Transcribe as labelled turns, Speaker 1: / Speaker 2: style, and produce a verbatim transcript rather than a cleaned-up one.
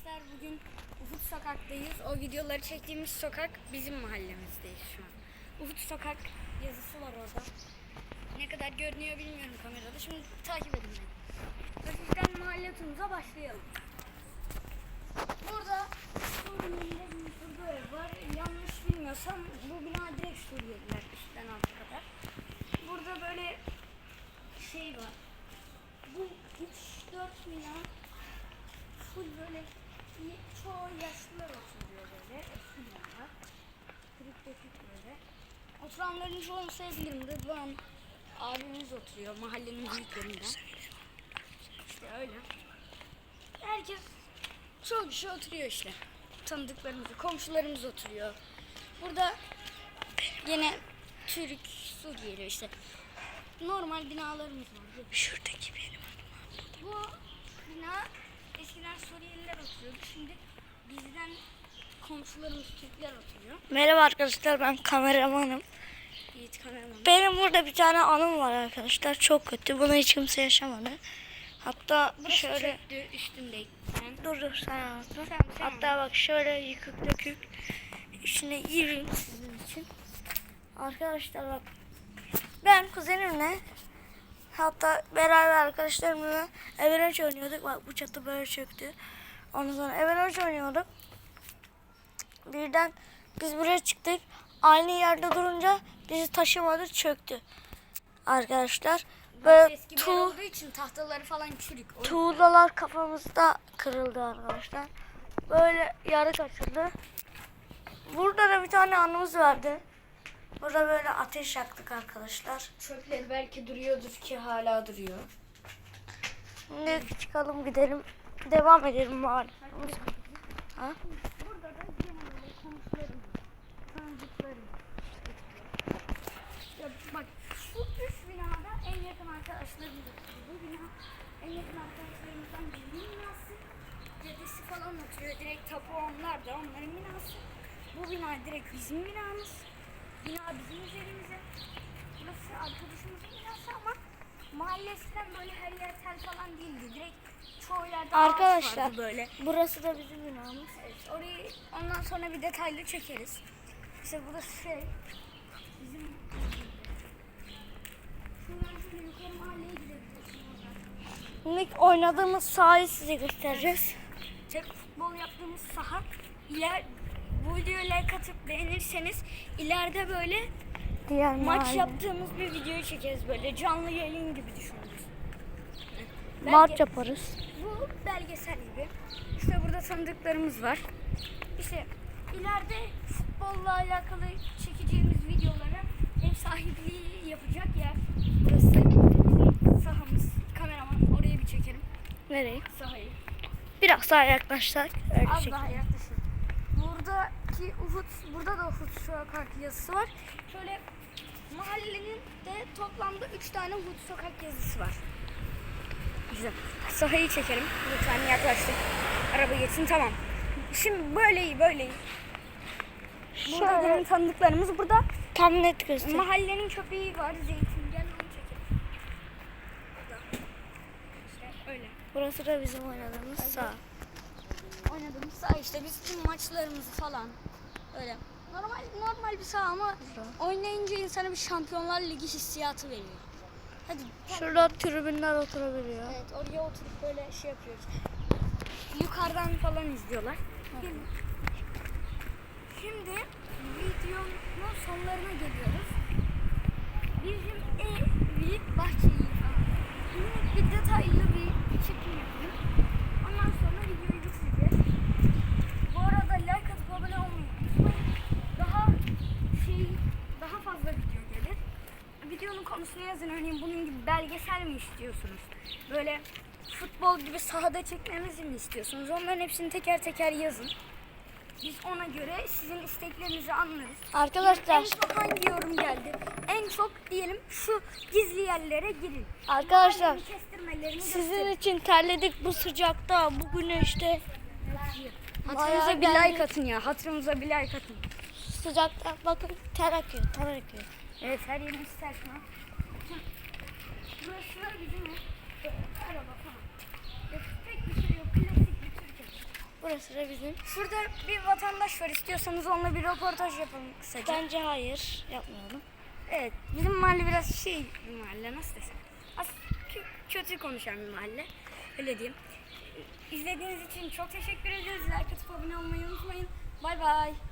Speaker 1: arkadaşlar, bugün Ufuk Sokak'tayız. O videoları çektiğimiz sokak bizim mahallemizdeyiz şu an. Ufuk Sokak yazısı var orada. Ne kadar görünüyor bilmiyorum kamerada. Şimdi takip edin beni. Hafiften mahalle turumuza başlayalım. Burada Suriyeliler bir ev var. Yanlış bilmiyorsam bu bina direkt Suriyeliler üstten alta kadar. Burada böyle şey var. Bu üç dört bina full böyle çoğu yaşlılar oturuyor böyle. Eski binalar. Kırık dökük böyle. Oturanların çoğunu sevgilim de bu an abimiz oturuyor mahallenin büyüklerinden. İşte öyle. Herkes çoğu kişi oturuyor işte. Tanıdıklarımız, komşularımız oturuyor. Burada yine Türk, Suriyeli işte normal binalarımız var.
Speaker 2: Şuradaki benim.
Speaker 1: Bu bina eskiden Suriyeliler oturuyordu. Şimdi bizden komşularımız Türkler oturuyor.
Speaker 2: Merhaba arkadaşlar, ben kameramanım.
Speaker 1: Yiğit kameraman.
Speaker 2: Benim burada bir tane anım var arkadaşlar. Çok kötü. Bunu hiç kimse yaşamadı. Hatta
Speaker 1: Burası
Speaker 2: şöyle
Speaker 1: çöktü üstündeyim.
Speaker 2: dur dur sen anlatma.
Speaker 1: Sen, sen
Speaker 2: Hatta bak şöyle yıkık dökük. İçine gireyim sizin için. Arkadaşlar bak. Ben kuzenimle, hatta beraber arkadaşlarımla Everage oynuyorduk. Bak bu çatı böyle çöktü. Ondan sonra Everage oynuyorduk. Birden biz buraya çıktık. Aynı yerde durunca bizi taşımadı, çöktü. Arkadaşlar böyle
Speaker 1: eski bir yer
Speaker 2: tuğ,
Speaker 1: olduğu için tahtaları falan çürük. O
Speaker 2: tuğlalar kafamızda kırıldı arkadaşlar. Böyle yarı açıldı. Burada da bir tane anımız vardı. Burada böyle ateş yaktık arkadaşlar.
Speaker 1: çöpleri belki duruyordur ki hala duruyor.
Speaker 2: Şimdi çıkalım gidelim. Devam edelim bari. Ha?
Speaker 1: Burada da yine böyle komşularım, tanıdıklarım. Ya bak şu üç binada en yakın arkadaşlarımız oturuyor. Bu bina en yakın arkadaşlarımızdan birinin binası. Dedesi falan oturuyor. Direkt tapu onlar da onların binası. Bu bina direkt bizim binamız. Bina bizim üzerimize. Burası arkadaşımızın binası ama mahallesinden böyle her yer tel falan değildi. Direkt çoğu yerde ağaç
Speaker 2: Arkadaşlar
Speaker 1: vardı böyle.
Speaker 2: burası da bizim binamız.
Speaker 1: Evet, orayı ondan sonra bir detaylı çekeriz. İşte burası şey, bizim şuradan şöyle yukarı mahalleye gidebiliriz.
Speaker 2: Şimdi oynadığımız sahayı size göstereceğiz.
Speaker 1: Tek futbol yaptığımız saha. İler, bu videoya like atıp beğenirseniz ileride böyle
Speaker 2: Diğer
Speaker 1: maç
Speaker 2: mahalle.
Speaker 1: yaptığımız bir videoyu çekeriz böyle canlı yayın gibi düşünürüz.
Speaker 2: Maç yaparız.
Speaker 1: Bu belgesel gibi. İşte burada tanıdıklarımız var. İşte ileride futbolla alakalı çekeceğimiz videolara ev sahipliği yapacak yer. Burası bizim sahamız. Kameraman oraya bir çekelim.
Speaker 2: Nereye?
Speaker 1: Sahayı.
Speaker 2: Biraz daha yaklaşsak. Öyle
Speaker 1: Az
Speaker 2: çekelim.
Speaker 1: daha yaklaşın. Buradaki Uhud, burada da Uhud Sokak yazısı var. Şöyle mahallenin de toplamda üç tane Uhud Sokak yazısı var. Güzel. Sahayı çekelim. Lütfen yaklaştık. Araba geçsin, tamam. Şimdi böyle iyi, böyle iyi. Burada
Speaker 2: Şöyle
Speaker 1: benim tanıdıklarımız burada.
Speaker 2: tam net göster.
Speaker 1: Mahallenin köpeği var, Zeytin. Gel onu çekelim. Burada. İşte öyle.
Speaker 2: Burası da bizim oynadığımız saha.
Speaker 1: Oynadığımız saha işte biz tüm maçlarımızı falan öyle. Normal normal bir saha ama oynayınca insana bir Şampiyonlar Ligi hissiyatı veriyor. Hadi.
Speaker 2: Şurada tribünler oturabiliyor.
Speaker 1: Evet, oraya oturup böyle şey yapıyoruz. Yukarıdan falan izliyorlar. Şimdi, şimdi videonun sonlarına geliyoruz. Bizim ev, büyük bahçeyi minik bir detaylı bir çekim yapalım. Ondan sonra videoyu bitireceğiz. Bu arada like atıp abone olmayı unutmayın. Daha şey, daha fazla video gelir. Videonun konusunu yazın. Örneğin bunun gibi belgesel mi istiyorsunuz? Böyle futbol gibi sahada çekmemizi mi istiyorsunuz? Onların hepsini teker teker yazın. Biz ona göre sizin isteklerinizi anlarız.
Speaker 2: Arkadaşlar,
Speaker 1: En çok hangi yorum geldi? En çok diyelim şu gizli yerlere girin.
Speaker 2: arkadaşlar
Speaker 1: Mahallenin kestirmelerini
Speaker 2: sizin
Speaker 1: gösterin.
Speaker 2: için terledik bu sıcakta, bu güneşte.
Speaker 1: Hatırımıza
Speaker 2: Bayağı
Speaker 1: bir like
Speaker 2: geldik.
Speaker 1: atın ya. Hatırımıza bir like atın.
Speaker 2: Sıcakta bakın ter akıyor, ter akıyor.
Speaker 1: Evet, her yerimiz ters ha. Burası da bizim ev. Araba falan. Pek bir şey yok. Klasik bir Türk evi.
Speaker 2: Burası da bizim.
Speaker 1: Şurada bir vatandaş var. İstiyorsanız onunla bir röportaj yapalım kısaca.
Speaker 2: Bence hayır. Yapmayalım.
Speaker 1: Evet, bizim mahalle biraz şey bir mahalle, nasıl desem. Az kö- kötü konuşan bir mahalle. Öyle diyeyim. İzlediğiniz için çok teşekkür ederiz. Like atıp abone olmayı unutmayın. Bay bay.